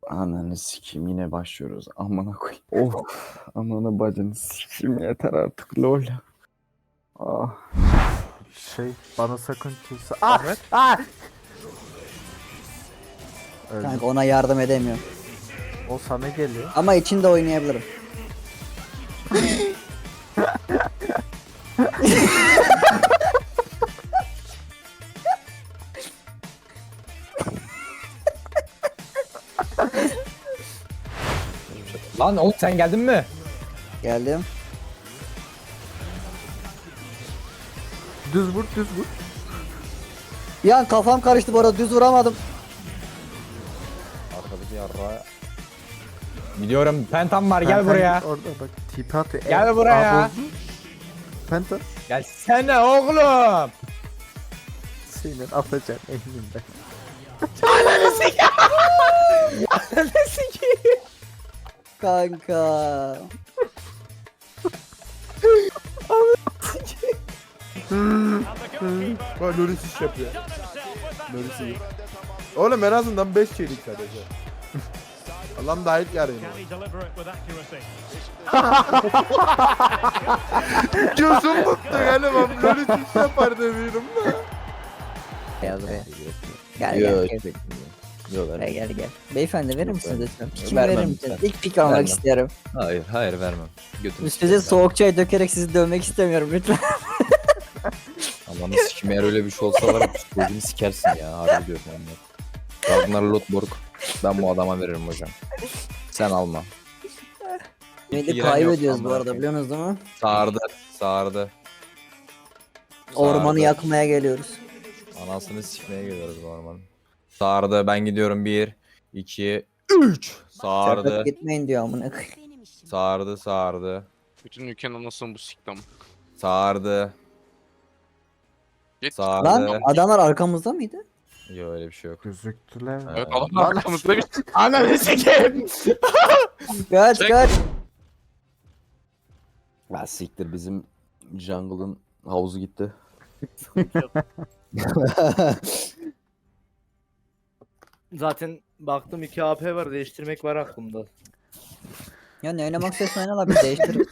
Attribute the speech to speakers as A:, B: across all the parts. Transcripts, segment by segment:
A: Ananı sikeyim yine başlıyoruz. Amına koyayım. Oh. Ananı bacını sikeyim yeter artık lol. Ah.
B: Bana sakın kimse...
C: Ahmet.
B: Öldü.
D: Kanka ona yardım edemiyorum.
B: O sana geliyor.
D: Ama içinde oynayabilirim.
C: Lan oğlum sen geldin mi?
D: Geldim.
B: Düz vur düz vur.
D: Bir an kafam karıştı bu arada düz vuramadım.
C: Arkadaki yarra. Biliyorum pentam var gel buraya.
B: Orada bak tipi atıyor.
C: Gel buraya.
B: Penta.
C: Gelsene oğlum.
B: Senin atacağım elimde.
C: Ananı sikeyim.
D: Kanka.
E: Bak Loris iş yapıyor. Loris iyi. Oğlum en azından 5 çelik sadece. Allah'ım da ayıp yarayım. Gözüm tuttu galiba. Loris iş yapar demiyorum da.
D: Gel buraya. Gel
A: Yok.
D: gel gel.
A: Yok
D: Gel. Beyefendi verir misiniz lütfen? Pikimi
A: Vermem
D: verir misiniz?
A: lütfen.
D: İlk pik almak
A: Vermem.
D: istiyorum.
A: Hayır vermem. Götünü
D: Üstünüze soğuk çay dökerek sizi dövmek istemiyorum lütfen.
A: Amanı sikim eğer öyle bir şey olsa var ya psikolojimi sikersin ya. Harbi diyorum onlar. Ragnar Lothbrok. Ben bu adama veririm hocam. Sen alma.
D: Neydi
A: giren
D: kaybediyoruz
A: yok,
D: bu arada
A: amına
D: biliyorsunuz değil mi?
A: Sardı.
D: Ormanı
A: Sardı.
D: yakmaya geliyoruz.
A: Anasını sikmeye geliyoruz bu ormanın. Sardı ben gidiyorum 1, 2, 3. Sardı.
D: Çakıp gitmeyin diyor amına koyayım.
A: Sardı.
F: Bütün ülkenin anasını bu siktam.
A: Sardı.
F: Git.
A: Sardı.
D: Lan adamlar arkamızda mıydı?
A: Yok öyle bir şey yok.
B: Gözüktüler.
F: Evet adamlar arkamızda bir
C: Ananı sikeyim.
D: Kaç
F: Çek.
D: kaç.
A: Ya siktir bizim jungle'ın havuzu gitti.
G: Zaten baktım 2 AP var, değiştirmek var aklımda.
D: Ya ne oynamak istiyorsan oyna la biz değiştiririz.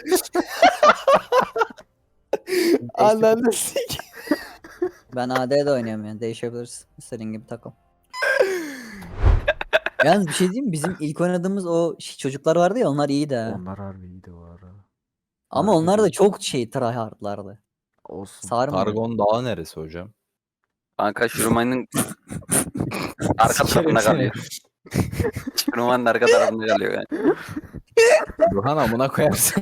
A: Ananı sik.
D: Ben AD'de oynuyorum yani değişebiliriz. İstediğin gibi takıl. Yalnız bir şey diyeyim mi? Bizim ilk oynadığımız o çocuklar vardı ya onlar iyiydi ha.
B: Onlar harbi iyiydi bu ara.
D: Ama
B: harbi
D: onlar da
B: iyi.
D: çok tryhardlardı.
B: Olsun.
D: Sarmadı.
A: Targon Dağı neresi hocam?
H: Kanka Şuruman'ın arka tarafında kalıyor. Şuruman'ın arka tarafında kalıyor yani.
A: Burhan amına koyarsın.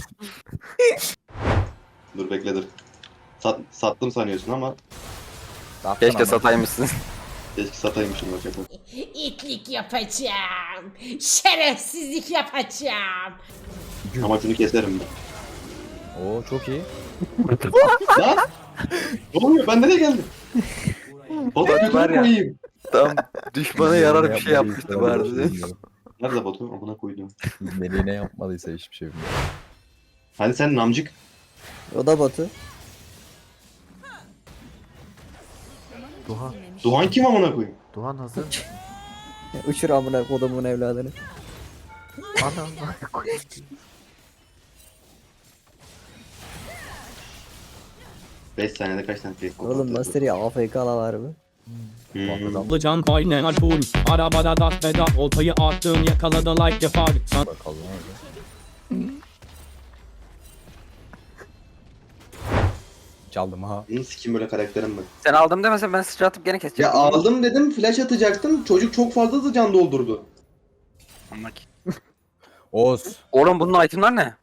I: Dur bekle dur. Sattım sanıyorsun ama
H: Keşke sataymışsın.
I: keşke sataymışım bak yapalım.
J: İtlik yapacağım. Şerefsizlik yapacağım.
I: Ama şunu keserim ben.
A: Oo çok iyi.
I: Lan! Ne oluyor? Ben nereye geldim? Batu
H: Bak var
I: götürüp
H: ya.
I: koyayım.
H: Tam düşmana yarar bir şey yapmıştı vardı.
I: Nerede Batu? Amına koydum.
A: Meleğine yapmadıysa hiçbir şey bilmiyorum.
I: Hani sen namcık.
D: O da Batu.
B: Duhan.
I: Doğan kim amına koyayım?
B: Duhan hazır.
D: Uçur amına kodumun evladını.
B: Anam.
I: 5 saniyede kaç tane fake
D: Oğlum nasıl ya AFK'la var mı?
K: Can aynen alpul. Arabada das veda. Oltayı attın yakaladı like defar.
A: Bakalım abi. Çaldım ha.
I: Bunu sikim böyle karakterim ben.
H: Sen aldım demesen ben sıçra atıp gene keseceğim.
I: Ya aldım dedim flash atacaktım. Çocuk çok fazla da can doldurdu.
A: Oğuz.
H: Oğlum bunun itemler ne?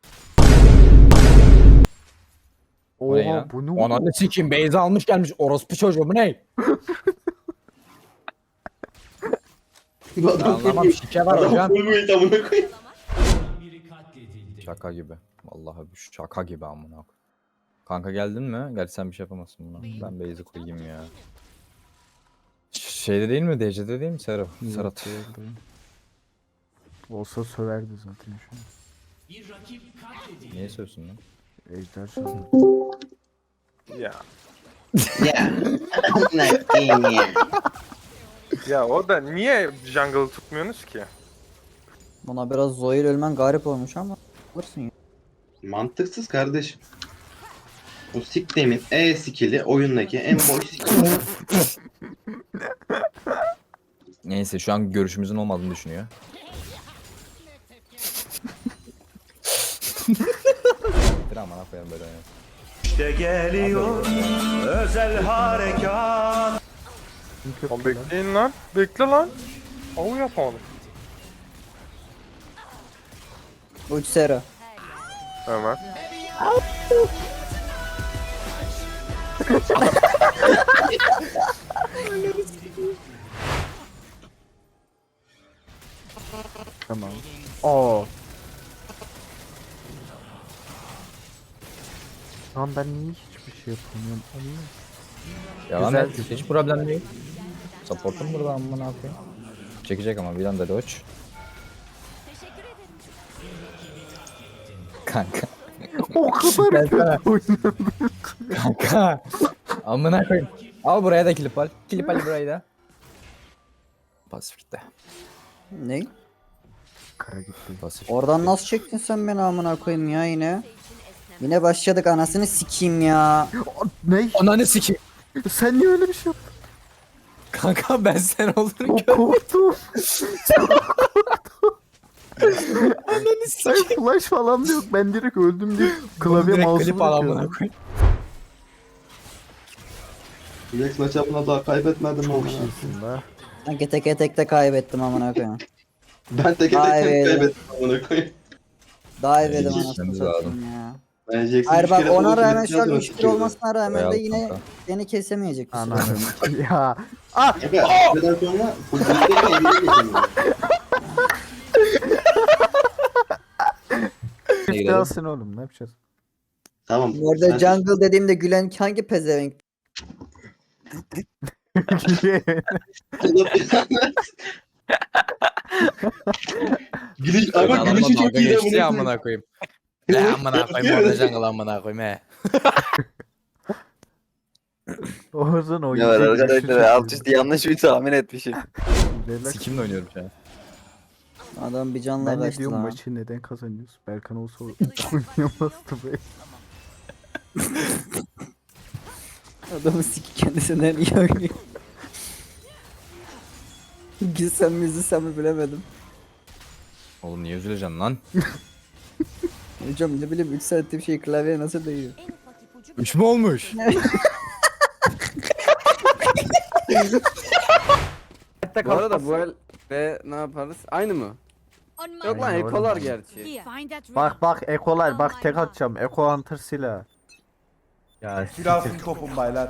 A: O ne ya?
B: Oha bu ne?
C: Ananı sikeyim beyza almış gelmiş orospu çocuğu bu ne?
I: Adam
C: Anlamam şike var
I: Adam
C: hocam.
I: full build amına koyayım.
A: Şaka gibi. Vallahi bu şaka gibi amına koyayım. Kanka geldin mi? Gerçi sen bir şey yapamazsın buna. Ben base'i koyayım ya. Şeyde değil mi? DC'de değil mi Serap? Serhat.
B: Olsa söverdi zaten şu an.
A: Niye söylüyorsun lan?
B: Ejder sandı.
F: Ya.
I: Ya. Amına koyayım ya.
F: Ya o da niye jungle'ı tutmuyorsunuz ki?
D: Buna biraz Zoe'yle ölmen garip olmuş ama alırsın ya.
I: Mantıksız kardeşim. O siklemin E skill'i oyundaki en boş skill.
A: Neyse şu an görüşümüzün olmadığını düşünüyor. Bir aman koyalım böyle.
F: Lan bekleyin lan. Bekle lan. Av yapalım.
D: Uç Sera.
F: Hemen.
B: Tamam. Oo. Lan ben niye hiçbir şey yapamıyorum?
A: Yalan
B: Güzel.
A: et. Hiç problem değil. Support'um burada amına koyayım. Çekecek ama bir anda dodge. Kanka.
B: O kadar kötü oynadım.
A: Kanka. Amına koyayım. Al buraya da klip al. Klip al burayı da. Pasif gitti.
D: Ne?
B: Kara gitti.
A: Pasif.
D: Oradan nasıl çektin sen beni amına koyayım ya yine? Yine başladık anasını sikeyim ya.
B: Ne?
A: Ananı sikeyim.
B: Sen niye öyle bir şey yaptın?
A: Kanka ben sen olurum ki.
B: Korktum.
A: Ananı
B: Sen
A: sikeyim.
B: flash falan da yok. Ben direkt öldüm diye klavye
A: Direkt
B: mouse'u
A: klip al amına
B: bırakıyorum.
A: koyayım.
I: Lex maçapına daha kaybetmedim
B: Çok
I: ama.
B: iyisin la.
D: Sanki teke tekte kaybettim amına koyayım.
I: Ben teke
D: Vay
I: tek
D: be.
I: kaybettim amına koyayım.
D: Daha iyi dedim
A: İyi,
D: anasını
A: gitmemiz
D: satayım ya.
I: Ben Jackson
D: Hayır
I: üç
D: bak
I: kere
D: ona
I: ulti
D: rağmen şu an
I: atacağız
D: 3-1 olmasına rağmen
A: Bayağı
D: de yine
A: kanka.
D: beni kesemeyecek. bir süre.
B: Ananı. Ya.
I: Aga, bir kadar sonra bu bulutları elinde geçemiyor.
B: Çifte alsın oğlum ne yapacağız?
I: Tamam.
D: Bu arada
I: sen-
D: jungle dediğimde gülen hangi pezevenk?
I: Gülüş, ama
A: Adamla
I: gülüşü çok
A: dalga
I: iyi de
A: geçti ya
I: bunu.
A: amına koyayım. Ne amına koyayım orada jungle amına koyayım he.
B: Oğuz'un
H: Ne
B: oyuncu
H: var
B: gülüşü çok
H: arkadaşlar
B: iyi.
H: alt üstü yanlış bir tahmin etmişim.
B: Relax.
A: Sikimle oynuyorum şu an.
D: Adam bir canla
B: Ben ne
D: kaçtı
B: diyorum
D: lan.
B: maçı neden kazanıyoruz? Berkan olsa oynayamazdı be.
D: Adamı siki kendisinden iyi oynuyor. Gülsem mi üzülsem mi bilemedim.
A: Oğlum niye üzüleceksin lan?
D: Hocam ne bileyim 3 saattir şey klavyeye nasıl değiyor?
A: 3 mü olmuş?
G: Bu arada bu el ve ne yaparız? Aynı mı? Yok lan
B: Aynı
G: ekolar
B: oğlum.
G: gerçi.
B: Bak bak ekolar bak tek atacağım. Eko hunter silah. Ya
E: Silahsız topum baylar.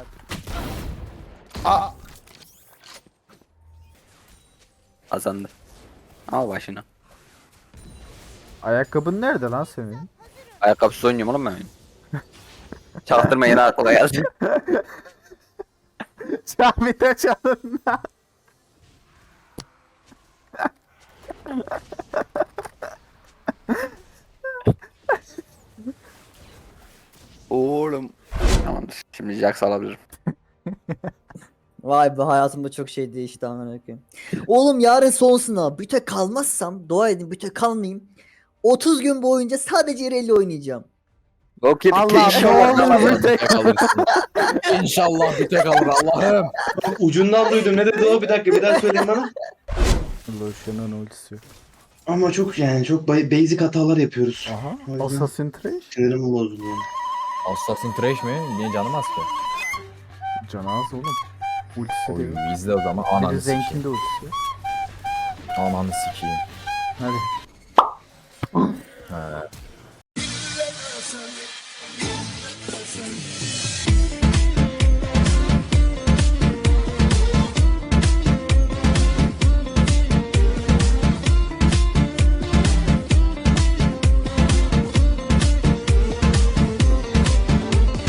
H: Kazandı. Al başına.
B: ayakkabın nerede lan senin?
H: Ayakkabısız oynuyorum oğlum ben. Çaktırma yine aklıma geldi.
B: Camide çalın.
H: Oğlum. Tamamdır. Şimdi Jax alabilirim.
D: Vay be hayatımda çok şey değişti amına koyayım. Oğlum yarın son sınav. Büte kalmazsam dua edin büte kalmayayım. 30 gün boyunca sadece Rally oynayacağım.
H: Bok yedik.
B: Allah
H: İnşallah
B: ne olur
H: kalamaz.
B: bir tek.
A: İnşallah bir tek alır Allah'ım.
I: Ucundan duydum. Ne dedi o? Bir dakika bir daha söyleyin bana.
B: Lotion'un ultisi yok.
I: Ama çok yani çok basic hatalar yapıyoruz.
B: Aha.
I: O yüzden-
B: Assassin Trash.
I: Sinirimi bozdu yani.
A: Assassin Trash mi? Niye canım az ki?
B: Canı az oğlum. Ultisi de
A: Oy
B: yok.
A: izle o zaman
B: Bir de
A: ananı sikeyim.
B: Zenk'in de ultisi yok.
A: Ananı sikeyim.
B: Hadi.